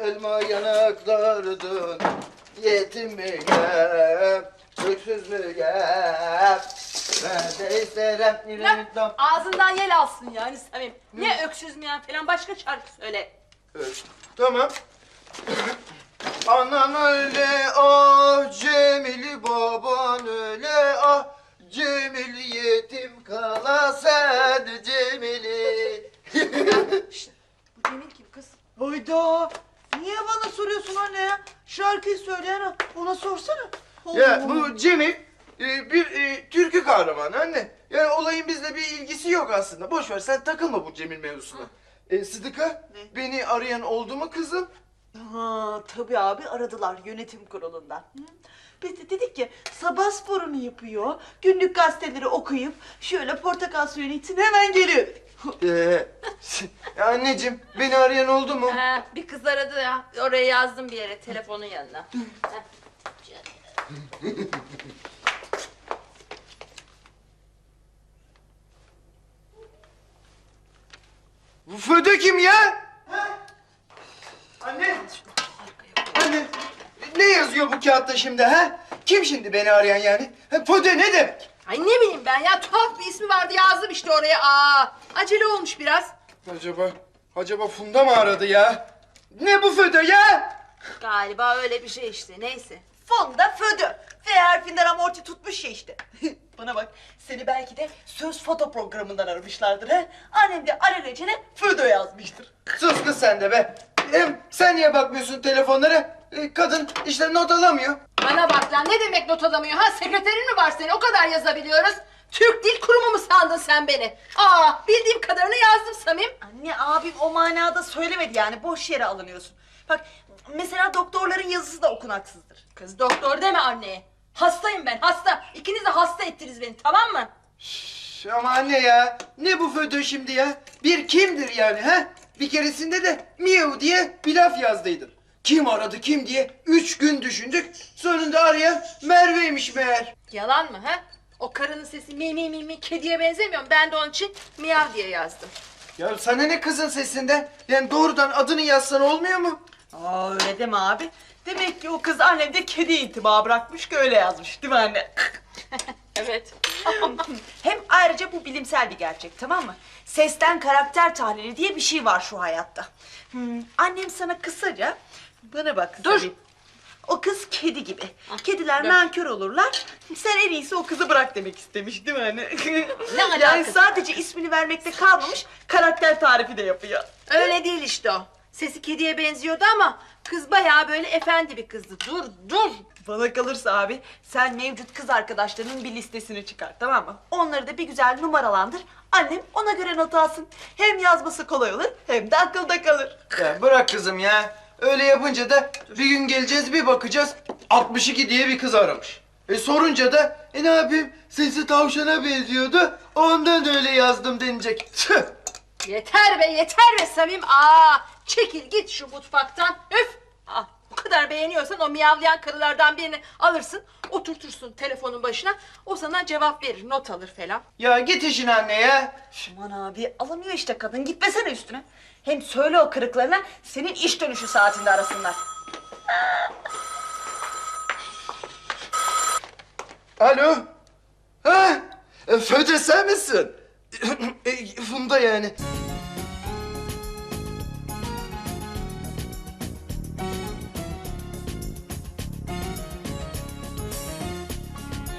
elma yanaklardın. Yetim müyem, öksüz müyem? Ben de isterim. Ağzından yel alsın yani Samim. Ne öksüz müyen falan, başka şarkı söyle. Evet, tamam. Anan öyle ah Cemili, baban öyle ah Cemili, yetim kala sen Cemili. Şşt, bu Cemil kim kız? Hayda! Niye bana soruyorsun anne ya? Şarkıyı söyleyen ona sorsana. Ya bu Cemil bir türkü kahramanı anne. Yani olayın bizle bir ilgisi yok aslında. Boş ver, sen takılma bu Cemil mevzusuna. Sıdıka, Ne? beni arayan oldu mu kızım? Ha, tabii abi, aradılar yönetim kurulundan. Hı? Biz de dedik ki sabah sporunu yapıyor, günlük gazeteleri okuyup şöyle portakal suyunu içsin hemen geliyor. Ya anneciğim, beni arayan oldu mu? Bir kız aradı ya. Oraya yazdım bir yere, telefonun yanına. Bu Föde kim ya? Anne! Anne! Ne yazıyor bu kağıtta şimdi ha? Kim şimdi beni arayan yani? Föde ne demek? Ay ne bileyim ben ya, tuhaf bir ismi vardı, yazdım işte oraya. Acele olmuş biraz. Acaba Funda mı aradı ya? Ne bu Föde ya? Galiba öyle bir şey işte, neyse. Fonda födü. F harfinden amorti tutmuş ya işte. Bana bak, seni belki de söz foto programından aramışlardır ha. Annem de alelacele födö yazmıştır. Sus kız sen de be. Hem sen niye bakmıyorsun telefonlara? Kadın işte not alamıyor. Bana bak lan, ne demek not alamıyor ha? Sekreterin mi var senin? O kadar yazabiliyoruz. Türk Dil Kurumu mu sandın sen beni? Bildiğim kadarını yazdım Samim. Anne, abim o manada söylemedi yani, boş yere alınıyorsun. Bak mesela doktorların yazısı da okunaksızdır. Kız doktor deme anneye. Hastayım ben, hasta. İkiniz de hasta ettiniz beni, tamam mı? Ama anne ya, ne bu Föde şimdi ya? Bir kimdir yani ha? Bir keresinde de miyav diye bir laf yazdıydın. Kim aradı kim diye 3 gün düşündük. Sonunda arayan Merve'ymiş meğer. Yalan mı ha? O karının sesi mi mi mi mi kediye benzemiyor mu? Ben de onun için miyav diye yazdım. Ya sana ne kızın sesinde? Yani doğrudan adını yazsan olmuyor mu? Öyle deme abi. Demek ki o kız annemde kedi intiba bırakmış ki öyle yazmış, değil mi anne? Evet. Hem ayrıca bu bilimsel bir gerçek, tamam mı? Sesten karakter tahlili diye bir şey var şu hayatta. Annem sana kısaca, bana bak Dur. Sabi, o kız kedi gibi. Kediler dur. nankör olurlar. Sen en iyisi o kızı bırak demek istemiş, değil mi anne? Ne Yani alakası sadece ismini vermekte kalmamış, karakter tarifi de yapıyor. Öyle değil işte o. Sesi kediye benziyordu ama kız bayağı böyle efendi bir kızdı. Dur. Bana kalırsa abi, sen mevcut kız arkadaşlarının bir listesini çıkar, tamam mı? Onları da bir güzel numaralandır. Annem ona göre not alsın. Hem yazması kolay olur, hem de akılda kalır. Ya bırak kızım ya. Öyle yapınca da bir gün geleceğiz bir bakacağız 62 diye bir kız aramış. Sorunca da ne yapayım sesi tavşana benziyordu ondan öyle yazdım denilecek. Tüh! Yeter be Samim. Çekil git şu mutfaktan. Üf. Bu kadar beğeniyorsan o miyavlayan karılardan birini alırsın, oturtursun telefonun başına. O sana cevap verir, not alır falan. Ya git işine anne ya. Aman abi, alamıyor işte kadın, gitmesene üstüne. Hem söyle o kırıklarına, senin iş dönüşü saatinde arasınlar. Alo. Ha? Föde sen misin? Funda yani.